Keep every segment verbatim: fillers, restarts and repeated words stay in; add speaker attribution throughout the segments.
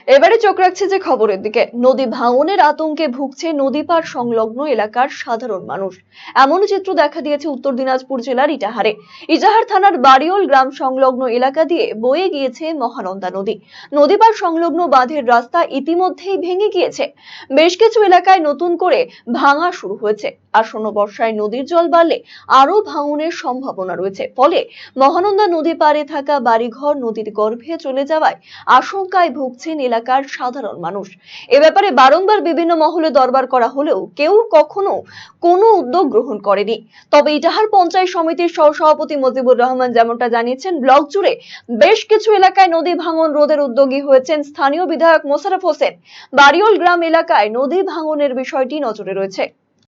Speaker 1: এবারে চোখ রাখছে যে খবরের দিকে। নদী ভাঙনের আতঙ্কে ভুগছে নদী পার সংলগ্ন এলাকার সাধারণ মানুষ। এমন চিত্র দেখা দিয়েছে উত্তর দিনাজপুর জেলার ইটাহারে। ইটাহার থানার বাড়িওল গ্রাম সংলগ্ন এলাকা দিয়ে বয়ে গিয়েছে মহানন্দা নদী। নদী পার সংলগ্ন বাঁধের রাস্তা ইতিমধ্যেই ভেঙে গিয়েছে। বেশ কিছু এলাকায় নতুন করে ভাঙা শুরু হয়েছে। আসন্ন বর্ষায় নদীর জল বাড়লে আরো ভাঙনের সম্ভাবনা রয়েছে। ফলে মহানন্দা নদী পাড়ে থাকা বাড়িঘর নদীর গর্ভে চলে যাওয়ায় আশঙ্কায় ভুগছেন এলাকার সাধারণ মানুষ। এ ব্যাপারে বারংবার বিভিন্ন মহলে দরবার করা হলেও কেউ কখনো কোনো উদ্যোগ গ্রহণ করেনি। তবে ইটাহার পঞ্চায়েত সমিতির সহসভাপতি মজিবুর রহমান যেমনটা জানিয়েছেন, ব্লক জুড়ে বেশ কিছু এলাকায় নদী ভাঙন রোধের উদ্যোগী হয়েছেন স্থানীয় বিধায়ক মোশাররফ হোসেন। বাড়িওল গ্রাম এলাকায় নদী ভাঙনের বিষয়টি নজরে রয়েছে।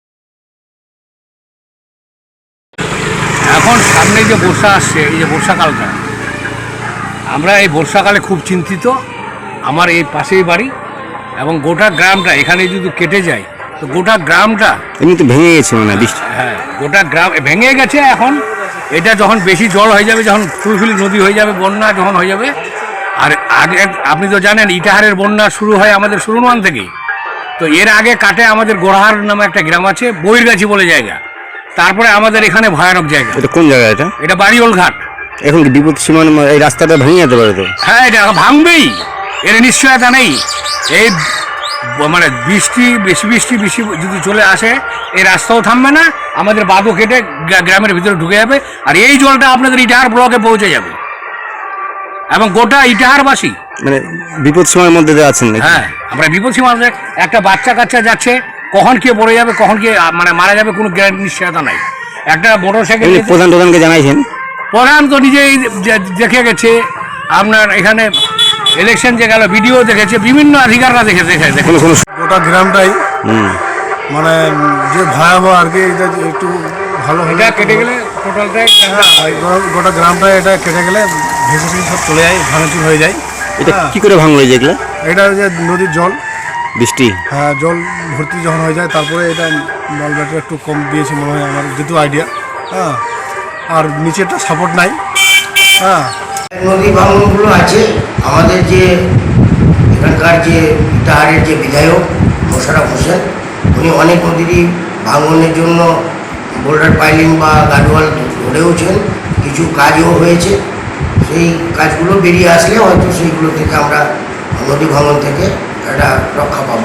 Speaker 2: এখন সামনে যে বর্ষা আসছে, এই যে বর্ষাকালটা, আমরা এই বর্ষাকালে খুব চিন্তিত। আমার এই পাশেই বাড়ি এবং গোটা গ্রামটা এখানে যদি কেটে যায় তো গোটা গ্রামটা
Speaker 3: এমনি তো ভেঙে গেছে মানে বৃষ্টি।
Speaker 2: হ্যাঁ, গোটা গ্রাম ভেঙে গেছে। এখন এটা যখন বেশি জল হয়ে যাবে, যখন ফুলফুলি নদী হয়ে যাবে, বন্যা যখন হয়ে যাবে, আর আগে আপনি তো জানেন ইটাহারের বন্যা শুরু হয় আমাদের সুরনওয়ান থেকে। তো এর আগে কাটে আমাদের গোড়াহার নামে একটা গ্রাম আছে, বইরগাছি বলে জায়গা। তারপরে আমাদের এখানে ভয়ানক জায়গা।
Speaker 3: এটা কোন জায়গা? এটা
Speaker 2: এটা বাড়িওল ঘাট।
Speaker 3: এখন কি বিপদ সীমার এই রাস্তাটা ভেঙে যেতে পারে তো?
Speaker 2: হ্যাঁ, এটা ভাঙবেই, এর নিশ্চয়তা নেই। এই মানে বৃষ্টি বেশি বৃষ্টি বেশি যদি চলে আসে এই রাস্তাও থামবে না, আমাদের বাঁধও কেটে গ্রামের ভিতরে ঢুকে যাবে। আর এই জলটা আপনাদের ইটাহার ব্লকে পৌঁছে যাবে এবং গোটা ইটাহারবাসী
Speaker 3: মানে বিপদ সীমার মধ্যে আছেন।
Speaker 2: হ্যাঁ, আমরা বিপদ সীমার মধ্যে। একটা বাচ্চা কাচ্চা যাচ্ছে, কখন কে পড়ে যাবে, কখন কে মানে মারা যাবে, কোনো গ্যারান্টি নিশ্চয়তা নাই। একটা মোটর সাইকেল
Speaker 3: প্রধান প্রধানকে জানাইছেন?
Speaker 2: প্রধান তো নিজেই দেখে গেছে। আপনার এখানে ইলেকশন যে গেল, ভিডিও দেখেছে, বিভিন্ন অধিকাররা দেখে দেখে দেখে
Speaker 4: গোটা গ্রামটাই মানে যে ভয়াবহ আর কি। এটা একটু ভালো
Speaker 2: এটা কেটে গেলে টোটালটাই
Speaker 4: গোটা গ্রামটাই এটা কেটে গেলে ভেসে ভেসে সব চলে যায়, ভাঙচুর হয়ে যায়।
Speaker 3: এটা কি করে ভাঙলো যেগুলো?
Speaker 4: এটা যে নদীর জল,
Speaker 3: বৃষ্টি,
Speaker 4: হ্যাঁ, জল ভর্তি যখন হয়ে যায় তারপরে এটা বল ব্যাটারি একটু কম দিয়েছে মনে হয় আমার যেহেতু আইডিয়া। হ্যাঁ, আর নিচেটা সাপোর্ট নাই। হ্যাঁ,
Speaker 5: নদী ভাঙনগুলো আছে। আমাদের যে এখানকার যে ইটাহারের যে বিধায়ক মোশাররফ হোসেন, উনি অনেক নদীরই ভাঙনের জন্য বোল্ডার পাইলিং বা গার্ডওয়াল গড়েওছেন, কিছু কাজও হয়েছে। সেই কাজগুলো বেরিয়ে আসলে হয়তো সেইগুলো থেকে আমরা নদী ভাঙন থেকে একটা রক্ষা পাবো।